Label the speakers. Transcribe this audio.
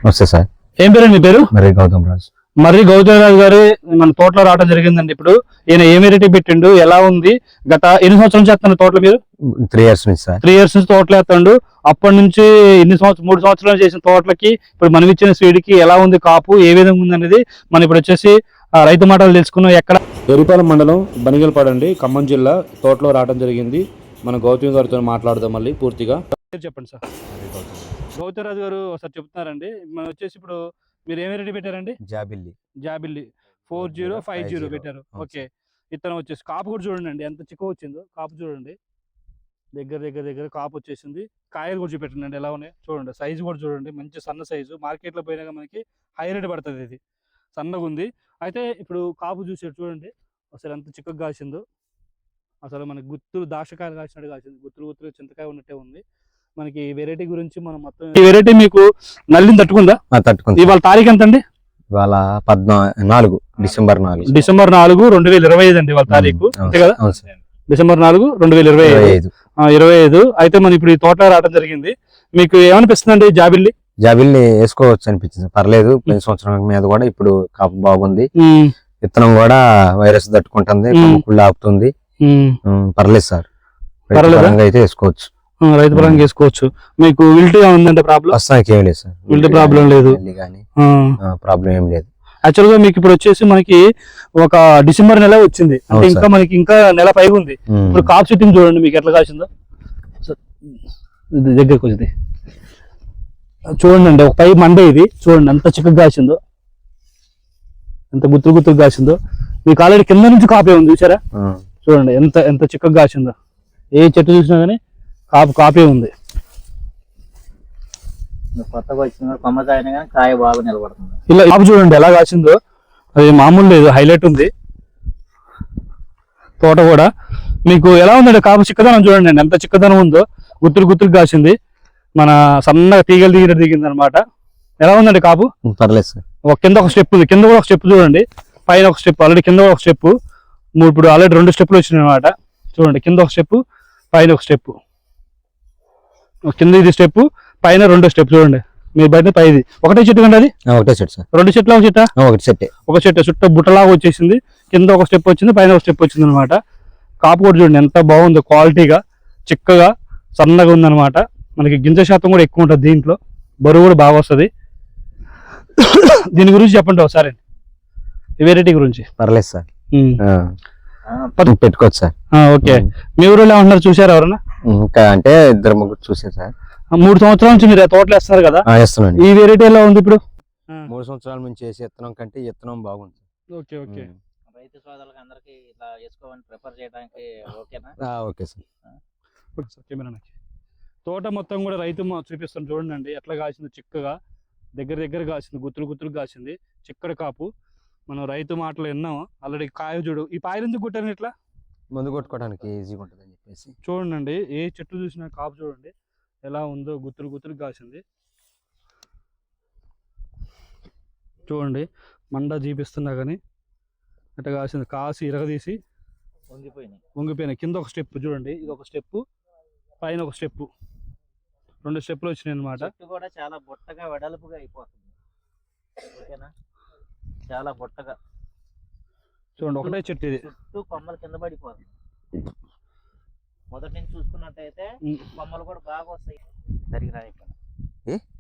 Speaker 1: వస్తే సార్.
Speaker 2: ఏం పేరు మీ పేరు?
Speaker 1: మర్రి గౌతమ్ రాజు.
Speaker 2: మర్రి గౌతమ్ రాజు గారు మన తోటలో రావడం జరిగిందండి. ఇప్పుడు ఈయన ఏ వెరైటీ పెట్టిండు, ఎలా ఉంది, గత ఎన్ని సంవత్సరాల నుంచి చేస్తున్నారు తోటలో మీరు?
Speaker 1: 3 years నుంచి సార్.
Speaker 2: 3 years నుంచి తోటలో వేస్తాడు. అప్పటి నుంచి 3 సంవత్సరాలు చేసిన తోటలకి ఇప్పుడు మనం ఇచ్చిన సీడ్కి ఎలా ఉంది, కాపు ఏ విధంగా ఉంది అనేది మనం ఇప్పుడు వచ్చేసి రైతు మాటలు తెలుసుకున్నాం. ఎక్కడ ఎరిపాలెం మండలం బనిగలపాడండి, ఖమ్మం జిల్లా తోటలో రావడం జరిగింది. మన గౌతమ్ గారితో మాట్లాడదాం మళ్ళీ పూర్తిగా. చెప్పండి సార్. గౌతమ్ రాజు గారు ఒకసారి చెప్తున్నారండి. మనం వచ్చేసి ఇప్పుడు మీరు ఏం వెరైటీ పెట్టారండి? జాబిల్లి 4050 పెట్టారు. ఓకే. ఇతను వచ్చేసి కాపు కూడా చూడండి ఎంత చిక్కువ వచ్చిందో. కాపు చూడండి, దగ్గర కాపు వచ్చేసింది. కాయలు కూడా చూపెట్టండి ఎలా ఉన్నాయి చూడండి. సైజు కూడా చూడండి, మంచి సన్న సైజు. మార్కెట్లో పోయినాక మనకి హై రేట్ పడుతుంది. ఇది సన్నగా ఉంది. అయితే ఇప్పుడు కాపు చూసాడు చూడండి అసలు ఎంత చిక్కగా కాసిందో. అసలు మనకి గుత్తులు దాక్షకాయలు కాసినట్టు కాసింది. గుత్తులు చింతకాయ ఉన్నట్టే ఉంది. మనకి వెరైటీ గురించి మనం మొత్తం ఈ వెరైటీ మీకు నల్లిని తట్టుకుందా?
Speaker 1: తట్టుకుంది.
Speaker 2: ఇవాళ తారీఖు ఎంత అండి?
Speaker 1: ఇవాళ 14 డిసెంబర్ 4
Speaker 2: 2025 అండి ఇవాళ తారీఖు. అంతే కదా? డిసెంబర్ 4 2025. అయితే మనం ఇప్పుడు ఈ తోట రావడం జరిగింది. మీకు ఏమనిపిస్తుంది అండి
Speaker 1: జాబిల్లి వేసుకోవచ్చు అనిపించింది. పర్లేదు. పోయిన సంవత్సరం మీద కూడా ఇప్పుడు కాపు బాగుంది. విత్తనం కూడా వైరస్ తట్టుకుంటుంది, కుళ్ళు ఆపుతుంది. పర్లేదు సార్. అయితే వేసుకోవచ్చు.
Speaker 2: రైతు పరంగా వేసుకోవచ్చు. మీకు విల్టీ ఉందంటే ప్రాబ్లం?
Speaker 1: ప్రస్తుతానికి ఏం లేదు సార్.
Speaker 2: విల్టీ ప్రాబ్లం లేదు.
Speaker 1: ప్రాబ్లం ఏం లేదు.
Speaker 2: యాక్చువల్ గా మీకు ఇప్పుడు వచ్చేసి మనకి ఒక డిసెంబర్ నెల వచ్చింది అంటే ఇంకా మనకి ఇంకా నెల పైగా ఉంది. ఇప్పుడు కాప్ సిట్టింగ్ చూడండి మీకు ఎట్లా కాసిందో. దగ్గరకు వచ్చింది చూడండి. ఒక పై మండే ఇది చూడండి ఎంత చిక్కగా కాసిందో, ఎంత గుత్తులు కాసిందో. మీకు ఆల్రెడీ కింద నుంచి కాపే ఉంది చూసారా? చూడండి ఎంత చిక్కగా కాసిందో. ఏ చెట్టు చూసినా కానీ కాపే ఉంది.
Speaker 3: కొత్తగా వచ్చిన కొమ్మకాయ కాయ బాగా నిలబడుతుంది.
Speaker 2: ఇలా కాపు చూడండి ఎలా కాసిందో. అది మామూలు లేదు, హైలైట్ ఉంది తోట కూడా. మీకు ఎలా ఉందండి కాపు చిక్కదనం చూడండి ఎంత చిక్కదనం ఉందో. గుత్తులు కాసింది. మన సన్నగా తీగలు దిగింది అనమాట. ఎలా ఉందండి కాపు?
Speaker 1: పర్లేదు సార్.
Speaker 2: కింద ఒక స్టెప్ ఉంది, కింద కూడా ఒక స్టెప్ చూడండి, పైన ఒక స్టెప్, ఆల్రెడీ కింద ఒక స్టెప్. ఇప్పుడు ఆల్రెడీ 2 స్టెప్లు వచ్చినాయి అనమాట. చూడండి కింద ఒక స్టెప్, పైన ఒక స్టెప్. కింద ఇది స్టెప్, పైన 2 స్టెప్ చూడండి. మీరు బయట పైది ఒకటే చెట్టు కండి. అది
Speaker 1: ఒకటే చెట్టు సార్.
Speaker 2: 2 చెట్ల ఒక చెట్ట?
Speaker 1: ఒక చెట్టు
Speaker 2: చుట్టూ బుట్టలాగా వచ్చేసింది. కింద ఒక స్టెప్ వచ్చింది, పైన ఒక స్టెప్ వచ్చింది అనమాట. కాపు కూడా చూడండి ఎంత బాగుందో, క్వాలిటీగా చిక్కగా సన్నగా ఉందన్నమాట. మనకి గింజ శాతం కూడా ఎక్కువ ఉంటుంది దీంట్లో, బరువు కూడా బాగా వస్తుంది. దీని గురించి చెప్పండి ఒకసారి, ఈ వెరైటీ గురించి.
Speaker 1: పర్లేదు సార్, పెట్టుకోవచ్చు సార్.
Speaker 2: ఓకే. మీ ఊరిలో ఏమంటున్నారు చూసారు ఎవరన్నా?
Speaker 1: ఇంకా అంటే 2-3 చూసారు సార్.
Speaker 2: 3 సంవత్సరాల నుంచి మీరు తోటలు వేస్తున్నారు కదా?
Speaker 1: వేస్తున్నాను.
Speaker 2: ఈ వెరైటీ ఎలా ఉంది ఇప్పుడు?
Speaker 1: 3 సంవత్సరాల నుంచి వేసే విత్తనం కంటే విత్తనం బాగుంది.
Speaker 2: ఓకే.
Speaker 3: రైతు సోదరులకు అందరికి ఇలా వేసుకోవాలని ప్రిఫర్ చేయడానికి ఓకేనా?
Speaker 1: Okay sir.
Speaker 2: కెమెరాకి తోట మొత్తం కూడా రైతు చూపిస్తాను చూడండి ఎట్లా కాసింది. చిక్కగా దగ్గర కాసింది, గుత్తులు కాసింది, చిక్కడి కాపు. మనం రైతు మాటలు విన్నాము ఆల్రెడీ. కాయ చూడు, ఈ పాయలు ఎందుకు కొట్టాను ఇట్లా?
Speaker 1: మందు కొట్టుకోవడానికి ఈజీగా ఉంటుంది అని చెప్పేసి.
Speaker 2: చూడండి ఏ చెట్టు చూసినా కాపు చూడండి ఎలా ఉందో, గుత్తులు కాసింది. చూడండి మండ చూపిస్తున్నా కానీ అట్లా కాసింది. కాసి ఇరగదీసి వంగిపోయినాయి. కింద ఒక స్టెప్ చూడండి, ఇది ఒక స్టెప్, పైన ఒక స్టెప్, 2 స్టెప్లు వచ్చినాయి అనమాట.
Speaker 3: కూడా చాలా బొట్టగా వెడల్పుగా అయిపోతుంది. ఓకేనా? చాలా బొట్టగా
Speaker 2: చూడండి. ఒకటే చెట్టు ఇది,
Speaker 3: చుట్టూ కొమ్మలు కింద పడిపోతుంది. మొదటి నుంచి చూసుకున్నట్టయితే కొమ్మలు కూడా బాగా వస్తాయి. సరిగ్గా ఇక్కడ